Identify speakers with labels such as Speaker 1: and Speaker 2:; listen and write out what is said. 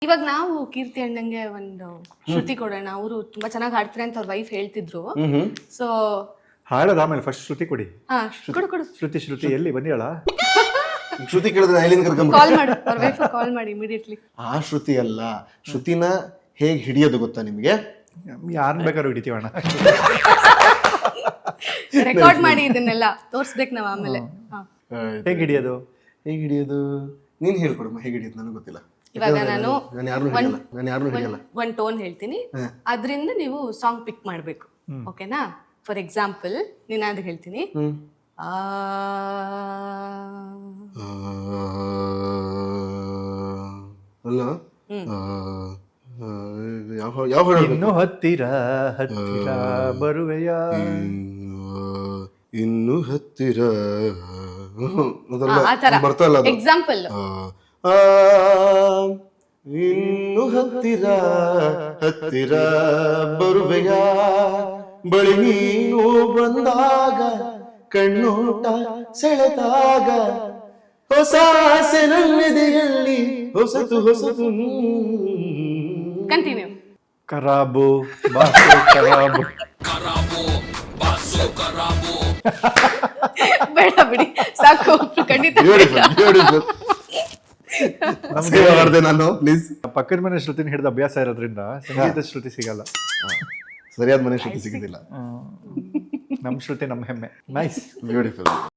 Speaker 1: ಇವಾಗ ನಾವು ಕೀರ್ತಿ ಅಣ್ಣಂಗೆ ಒಂದು ಶ್ರುತಿ ಕೊಡೋಣ. ಅವರು ತುಂಬಾ ಚೆನ್ನಾಗಿ ಹಾಡ್ತಾರೆ ಅಂತ ಅವ್ರ ವೈಫ್ ಹೇಳ್ತಿದ್ರು. ಸೊ
Speaker 2: ಹಾಡೋದು ಆಮೇಲೆ ಫಸ್ಟ್ ಶ್ರುತಿ ಕೊಡಿ.
Speaker 1: ಕೊಡು ಕೊಡು.
Speaker 2: ಶ್ರುತಿ ಎಲ್ಲಿ ಬಂದಿಯಾಳ?
Speaker 3: ಶ್ರುತಿ ಕೇಳಿದ್ರೆ ಐಲಿಂದ ಕರ್ಕೊಂಡ್
Speaker 1: ಕಾಲ್ ಮಾಡು, ಅವ್ರ ವೈಫ್ ಕಾಲ್ ಮಾಡಿ ಇಮಿಡಿಯೇಟ್ಲಿ.
Speaker 3: ಆ ಶ್ರುತಿ ಅಲ್ಲ, ಶ್ರುತಿನ ಹೇಗ್ ಹಿಡಿಯೋದು ಗೊತ್ತಾ ನಿಮ್ಗೆ?
Speaker 2: ಯಾರನ್ನ ಬೇಕಾದ್ರೂ ಹಿಡಿತೀವಣ್ಣ.
Speaker 1: ರೆಕಾರ್ಡ್ ಮಾಡಿ ಇದನ್ನೆಲ್ಲ ತೋರ್ಸ್ಬೇಕು ನಾವ್ ಆಮೇಲೆ.
Speaker 2: ಹೇಗೆ ಹಿಡಿಯೋದು?
Speaker 3: ನೀನ್ ಹೇಳ್ಕೊಡಮ್ಮ ಹೇಗೆ ಹಿಡಿಯೋದು, ನನಗೆ ಗೊತ್ತಿಲ್ಲ.
Speaker 1: ಇವಾಗ ನಾನು
Speaker 3: ಯಾರನ್ನೂ ಹಿಡಿಯಲ್ಲ.
Speaker 1: ಒಂದ್ ಟೋನ್ ಹೇಳ್ತೀನಿ, ಅದ್ರಿಂದ ನೀವು ಸಾಂಗ್ ಪಿಕ್ ಮಾಡ್ಬೇಕು. ಓಕೆನಾ? ಫಾರ್ ಎಕ್ಸಾಂಪಲ್ ನೀನಾದ್ರು ಹೇಳ್ತೀನಿ.
Speaker 3: ಅಲ್ಲ ಯಾವ
Speaker 2: ಇನ್ನು ಹತ್ತಿರ ಹತ್ತಿರ ಬರುವೆಯ,
Speaker 3: ಇನ್ನು ಹತ್ತಿರ
Speaker 1: ಬರ್ತಾ ಇಲ್ಲ. ಎಕ್ಸಾಂಪಲ್
Speaker 3: ಇನ್ನು ಹತ್ತಿರ ಹತ್ತಿರ ಬರುವೆಯ, ಬಳಿ ನೀನು ಬಂದಾಗ ಕಣ್ಣೋಟ ಸೆಳೆದಾಗ, ಹೊಸ ಆಸೆ ನನ್ನೆದೆಯಲ್ಲಿ ಹೊಸತು ಹೊಸತು.
Speaker 1: ಕಂಟಿನ್ಯೂ.
Speaker 2: ಕರಾಬು ಬಾಸು ಕರಾಬು.
Speaker 1: ಬೇಡ ಬಿಡಿ, ಸಾಕು. ಖಂಡಿತ
Speaker 3: ನಾನು ಪ್ಲೀಸ್.
Speaker 2: ಪಕ್ಕದ ಮನೆ ಶ್ರುತಿನ ಹಿಡಿದ ಅಭ್ಯಾಸ ಇರೋದ್ರಿಂದ ಸಂಗೀತ ಶ್ರುತಿ ಸಿಗಲ್ಲ.
Speaker 3: ಸರಿಯಾದ ಮನೆ ಶ್ರುತಿ ಸಿಗುದಿಲ್ಲ.
Speaker 2: ನಮ್ ಶ್ರುತಿ ನಮ್ ಹೆಮ್ಮೆ. Nice,
Speaker 3: beautiful.